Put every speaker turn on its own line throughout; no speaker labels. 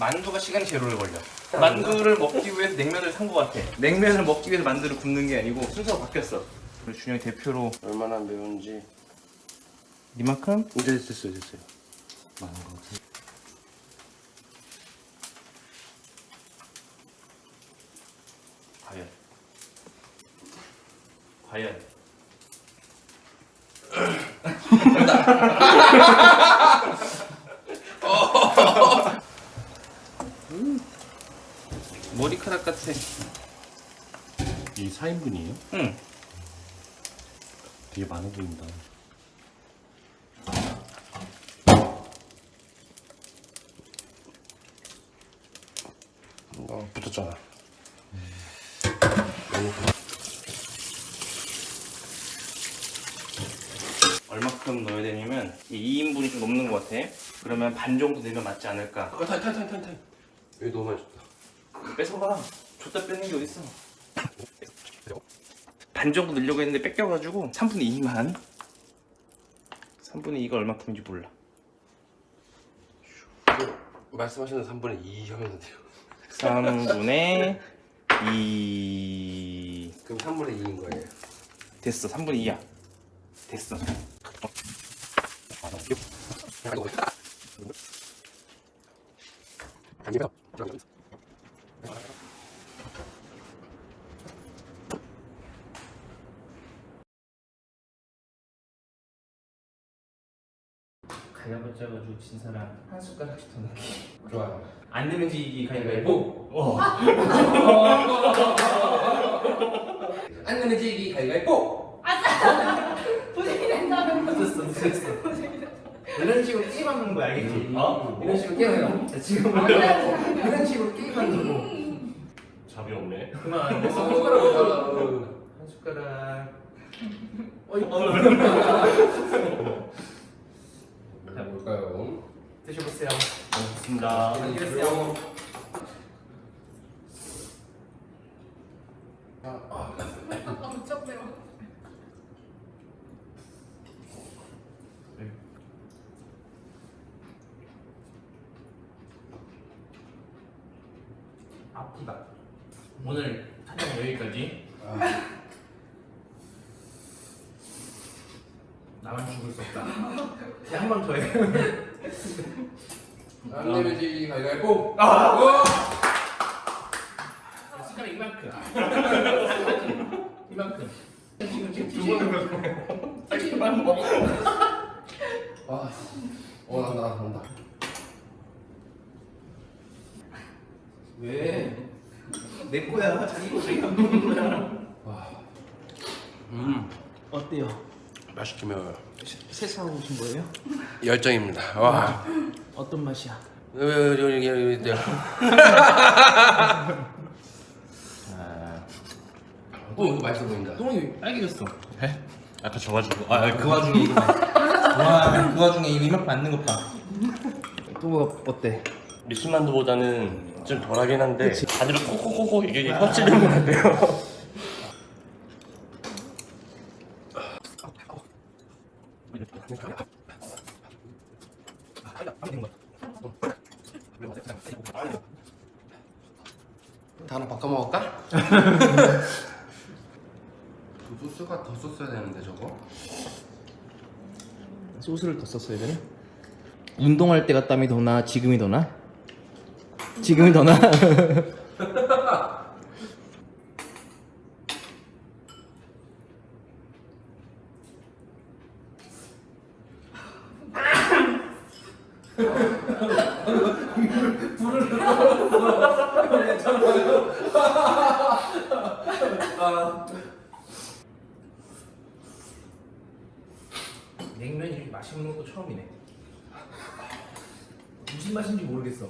만두가 시간이 제일 오래 걸려. 만두를 먹기 위해서 냉면을 산 것 같아. 냉면을 먹기 위해서 만두를 굽는 게 아니고 순서가 바뀌었어. 그리고 준영이 대표로
얼마나 매운지.
이만큼?
이제 됐어요.
많은 거 같아.
과연 머리카락 같아.
이 4인분이에요?
응.
되게 많아 보인다.
붙었잖아.
얼마큼 넣어야 되냐면 2인분이 좀 넘는 것 같아. 그러면 반 정도 넣으면 맞지 않을까?
타임. 여기 너무 많이 줬다.
뺏어봐. 줬다 뺏는 게 어딨어. 반 정도 넣으려고 했는데 뺏겨가지고 3분의 2만. 3분의 2가 얼마큼인지 몰라.
말씀하시는 3분의 2 하면 돼요.
3분의 2.
그럼 3분의 2인 거예요.
됐어. 3분의 2야. 됐어. 가위바위보 짜가지고 진 사람 한 숟가락씩 더 넣기.
좋아요.
안 내면 지기 가위바위보.
안 내면 지기 가위바위보.
분위기 낸다면
늦었어. 이런 식으로 게임하는 거야, 알겠지? 이런 식으로 게임해요. 자, 지금
안 돼.
이런 식으로 게임한다고.
잡이 없네.
그만. 됐어. 한 숟가락.
자, 뭘까요?
드셔보세요.
고맙습니다.
안녕히 계세요.
엄청 매워.
아프다. 오늘 촬영 여기까지. 나만 죽을 수 없다. 이제 한 번 더 해.
안 내면 지기 가위바위보.
숟가락 이만큼. 이만큼. 지금 먹어.
난다.
왜? 내 거야. 자기 거 자기가 먹는 거야. 어때요?
맛있게 매워요.
세수하고 오신 거예요?
열정입니다. 와.
어떤 맛이야?
여기. 이거 맛있어 보인다.
똥이 빨개졌어.
아까 져가지고.
그 와중에 이거. 와, 그 와중에 이거 이만큼 앉는 것 봐. 또 어때?
미술만두보다는 좀 덜하긴 한데 다들 코코코코 이게 혀치는 것 같아요.
다 하나 바꿔 먹을까? 그 소스가 더 썼어야 되는데 저거.
소스를 더 썼어야 되나? 운동할 때가 땀이 더 나? 지금이 더 나? 지금이 더 나? 냉면이 이렇게 맛있는 것도 처음이네. 무슨 맛인지 모르겠어.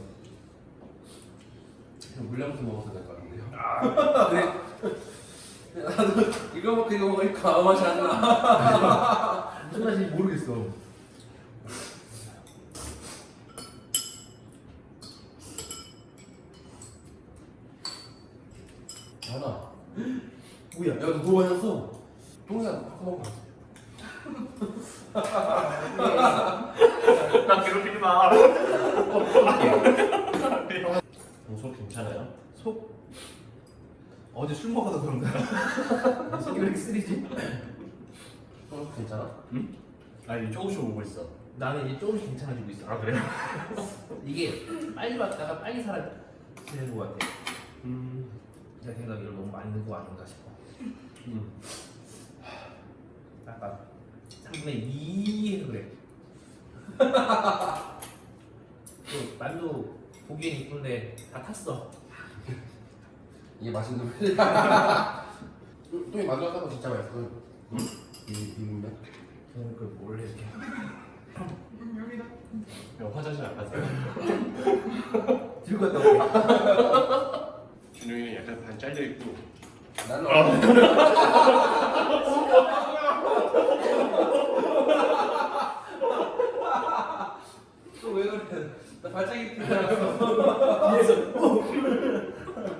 물량부터 먹어서 될 것 같은데요. 나도 이거 먹고 이거 먹으니까 아무 맛이 안 나.
무슨 맛인지 모르겠어.
전화.
뭐야?
야, 너 너무 마셨어. 똥이야, 바꿔 먹어.
나 괴롭히지 마. 속 괜찮아요?
속 어제 술 먹어서 그런가? 속이 왜 이렇게 쓰리지?
괜찮아?
아니 조금씩 오고 있어.
나는 이제 조금씩 괜찮아지고 있어.
아 그래요?
이게 빨리 왔다가 빨리 사라지는 것 같아. 내 생각에 이걸 너무 많이 넣은 거 아닌가 싶어. 약간 3분의 2 해서 그래. 또 만두 보기엔 이쁜데 다 탔어.
이게 맛있는 놈. 또 만들었다고 진짜 맛있어. 비빔면.
그뭘 이렇게.
여기다.
형 화장실 안 가세요?
들고 갔다 올게.
준영이는 약간 반 잘려 있고.
나는
또 왜 그래? 나 발차기 뛰잖아. 뒤에서.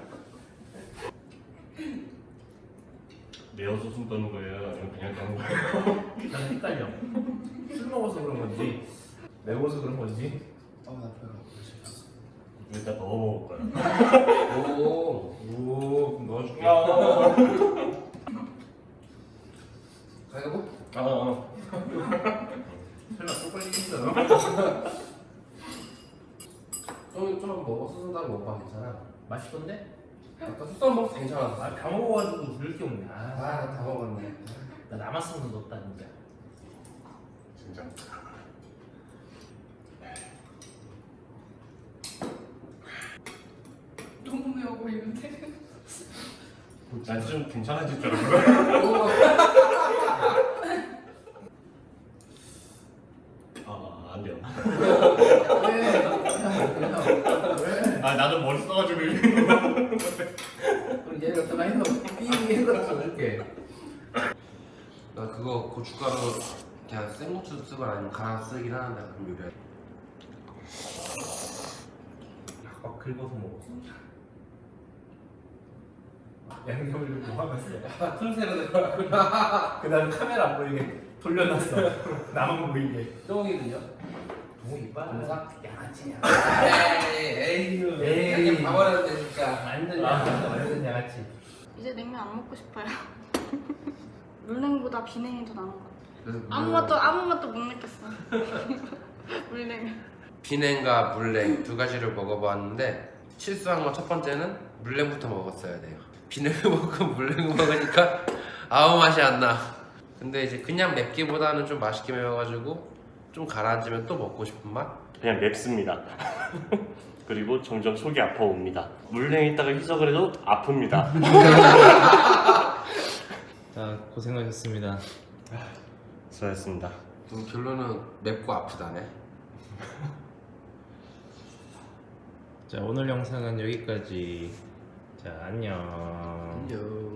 매워서 숨 떠는 거예요? 아니면 그냥 떠는 거예요?
나는 헷갈려. 술 먹어서 그런 건지 매워서 그런 건지.
나 배가
일단 넣어 먹을 거야.
오.
그럼 넣어줄게.
가위바위보?
설마 또 걸리겠어?
좀 먹어. 소스다를 먹어봐. 괜찮아.
맛있던데?
아까 소스다를 먹어서 괜찮았어.
다 먹어가지고 들을 게 없네.
나 다 먹었네.
나 남았으면 넣었다 진짜.
진짜.
너무 매워 보이는데?
난 좀 괜찮아질 줄 알았어. 안 돼요.
왜?
아 나도 머리 써가지고.
그럼 얘가 또 많이 넣어. 삐 해서 넣을게.
나 그거 고춧가루 그냥 생고추 쓰거나 아니면 갈아 쓰긴 하는데 가끔 요리할 때.
막 긁어서 먹었어. 양념을 좀 모아놨어.
틈새로 들어가구나.
그 다음에 카메라 안 보이게 돌려놨어. 나만 보이게.
똥이군요.
너무 이빨.
동사?
양아치야.
에이.
에이.
양념 다 버렸는데 진짜.
완전 양아치. 완전 양아치.
이제 냉면 안 먹고 싶어요. 물냉보다 비냉이 더 나은 것 같아요.
그래서
아무 맛도 못 느꼈어. 물냉.
비냉과 물냉 두 가지를 먹어봤는데 실수한 건 첫 번째는 물냉부터 먹었어야 돼요. 비냉을 먹고 물냉을 먹으니까 아무 맛이 안 나. 근데 이제 그냥 맵기보다는 좀 맛있게 매워가지고 좀 가라앉으면 또 먹고 싶은 맛?
그냥 맵습니다. 그리고 점점 속이 아파옵니다. 물냉 있다가 희석을 해도 아픕니다.
자 고생하셨습니다.
수고하셨습니다.
그럼 결론은 맵고 아프다네.
자 오늘 영상은 여기까지. 자 안녕.
안녕.